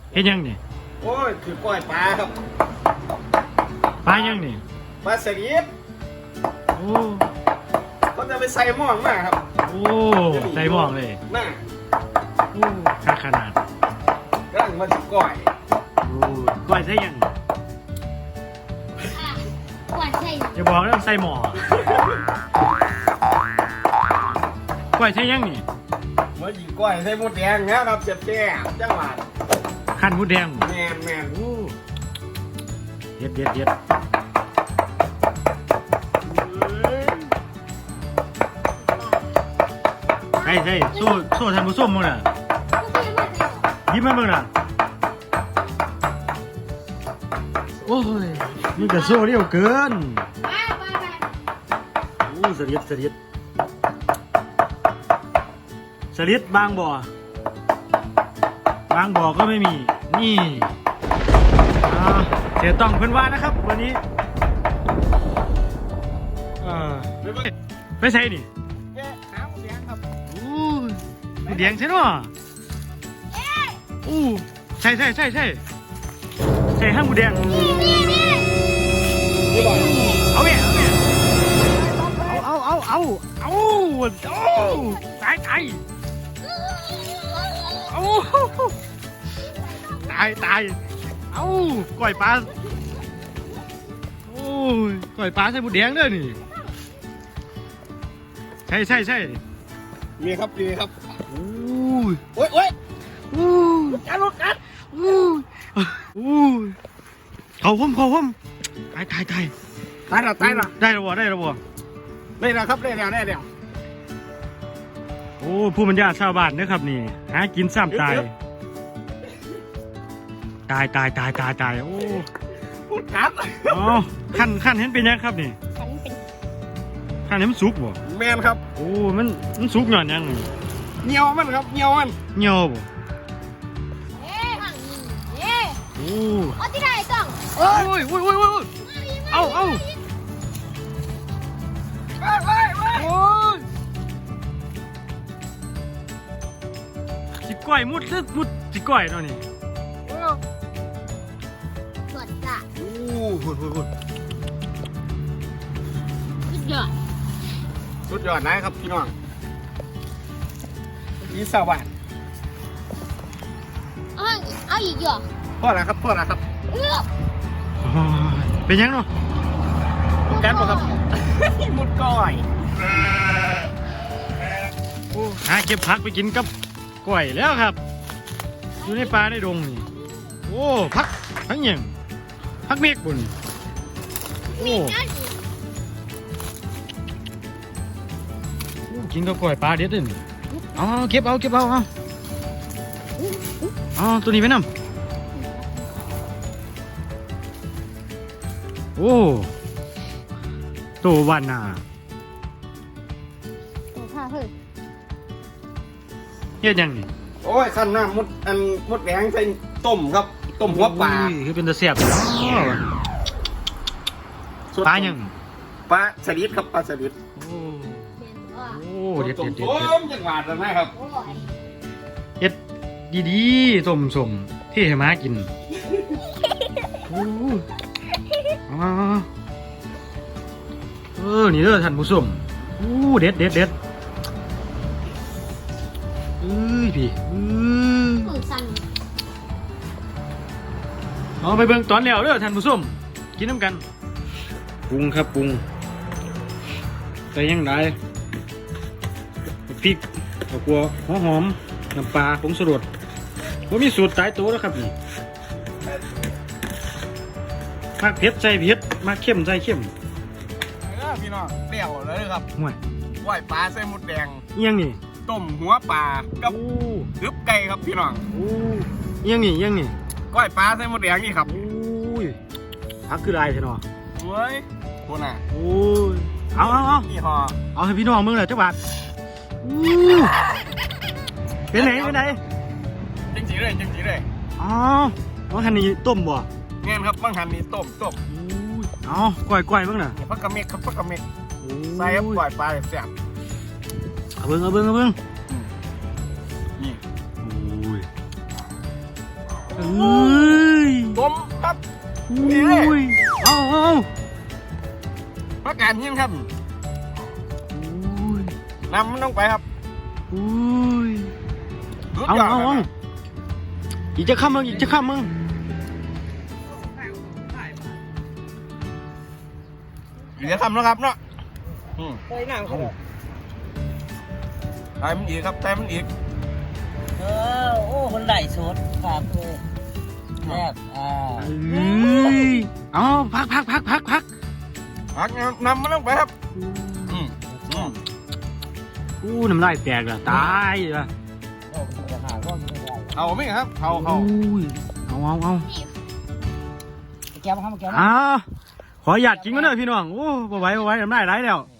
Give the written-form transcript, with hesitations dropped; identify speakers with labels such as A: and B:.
A: เฮ็ดยังนี่
B: โอ้ยคือก้อยปลาครับ
A: ปลายังนี่
B: ปลาสลิด
A: โอ้
B: ก็จะไปใส่หม้อมาครับ
A: โอ้ใส่หม้อเลย
B: น่า
A: โอ้ค่าขนาด
B: กำลังมาสิก้อย
A: โอ้ก้อยใส่ยัง
C: กวนใช่
A: อย่าบอกนะใส่หม้อก้อยใส่ยังนี่
B: มายิงก้อยใส่หมดแดงนะครับเจ็บแก่จังหวัด
A: ขั้นหมูแดง
B: แมน
A: โอ้เด็ดใช่โซ่ทำผสมมั้งน่ะยิ้มมาเมื่อน่ะโอ้ยนี่ก็โซ่เรียวเกินโอ้สลิดบางบ่อก็ไม่มีนี่เสียต้องเพื่อนว่านะครับวันนี้ไปใส่นี่
B: แกหาหมูแดงครับ
A: หมูแดงใช่เนาะใช่ห้างหมูแดงเอาเนี่ยเอาตายเอาก้อยปลาก้อยปลาใส่หมูแดงเด้อนี่ใช่
B: มีครับโอ้ยการรถกัน
A: เขาพุ่มตาย
B: หรอ
A: ได้แล้วบ่
B: ได้แล้วครับได้แล้ว
A: โอ้ผู้บรรยาชาวบ้านนะครับนี่หากินซ้ำตายโอ้
B: พูดครับ
A: อ๋อขั้นเห็นเป็นยังครับนี่ขั้นเห็นมันสุกบ่
B: แมนครับ
A: โอ้มันสุกหย่อนยัง
B: เงียวมันครับเงียวบ่
A: โอ้
C: เอาที่ไหนต้อง
A: โอ้ยเอาโอ้ยสิก้อยมุดสิก้อยเนาะนี่
C: สดจ้ะ
A: หุ่น
C: สุดยอด
B: นะครับพี่น้องนี่สวัสดิ์
C: เอาอีกเหรอ
B: พ่อละครับ
A: เป็นยังเนาะ
B: กันบ่ครับมุดก้อย
A: หาเก็บผักไปกินกับก้อยแล้วครับอยู่ในป่าในดงนี่โอ้พักยังพักเมฆบุญโอ้กินกับก้อยปลาเด็ดเลยเอาเก็บเอาตัวนี้ไปนำโอ้ตัววันน่ะเฮ็ดยังนี่
B: โอ้ยขั้นน้ำมดแดงใส่ต้มครับต้มหัวปลา
A: คือเป็นตะเสียบปลายัง
B: ปลาสลิดครับปลาสลิด
A: โอ้เด็ด
B: จังหวัดเลยครับ
A: เด็ดดีๆต้มสมที่ให้ม้ากินนี่เด้อท่านผู้ชมเด็ดพี่เอาไปเบิ่งตอนแล้วเด้อท่านผู้ชมกินน้ำกันปรุงครับปรุงใส่ยังไงพริกข้าวคั่วหัวหอมน้ำปลาผงชูรสว่ามีสูตรตายตัวแล้วครับนี่มักเผ็ดใส่เผ็ดมักเข้มใส่เข้ม
B: พี่น้องเดี่ยวเลยครับ
A: ห่วย
B: ก้อยปลาใส่หมดแดง
A: ยังนี่
B: ต้มหัวปลากับอึบไก่ครับพี่น้อง
A: ยังนี่
B: ก้อยปลาใส่หมดแดงนี่ครับ
A: พักคือไรใช่เนาะ
B: เฮ้ยคนน่ะ
A: เอา
B: นี่ห่อ
A: เอาให้พี่น้องมึงเลยจักบาทเป็นไหน
B: จังจีเลย
A: อ๋อบางหันนี่ต้มบ่
B: เงี้ยครับบางหันนี่ต้ม
A: เอาก้อยบ้างน่ะ
B: พักกระเมกใส่ครับก้อยปลาแซ่บ
A: เอาเบิ้งนี่เอ้ย
B: ต้มครับ
A: อุ้ยเอา
B: พักการหินครับ
A: อุ้ย
B: นำมันลงไปครับ
A: อุ้ย
B: สุด
A: เอา
B: ยอด
A: เอา
B: ค
A: เอา
B: รับ
A: อีกจะข้ามมึงอีกจะข้ามมึง
B: เดี๋ยวทำแล้วครับเนาะ
D: เฮ้ยนั่งเขาบอก
B: ใส่มันอีกครับใส่มันอีก
D: โอ้คนไหลสดครับแซ่บ
A: เอ้ยเอาพัก
B: พักนำมันลงไปครับอืม
A: อู้น้ำลายแตกละตายละ
D: โอ้จะหาก็ไม่ได้
B: เอาไหมครับเอา
A: อุ้ยเอา
D: แก้วมาครับแก้ว
A: อ้าวขอหยาดกินก็เด้อพี่น้องโอ้บ่ไหวน้ำลายไหลแล้ว
D: เ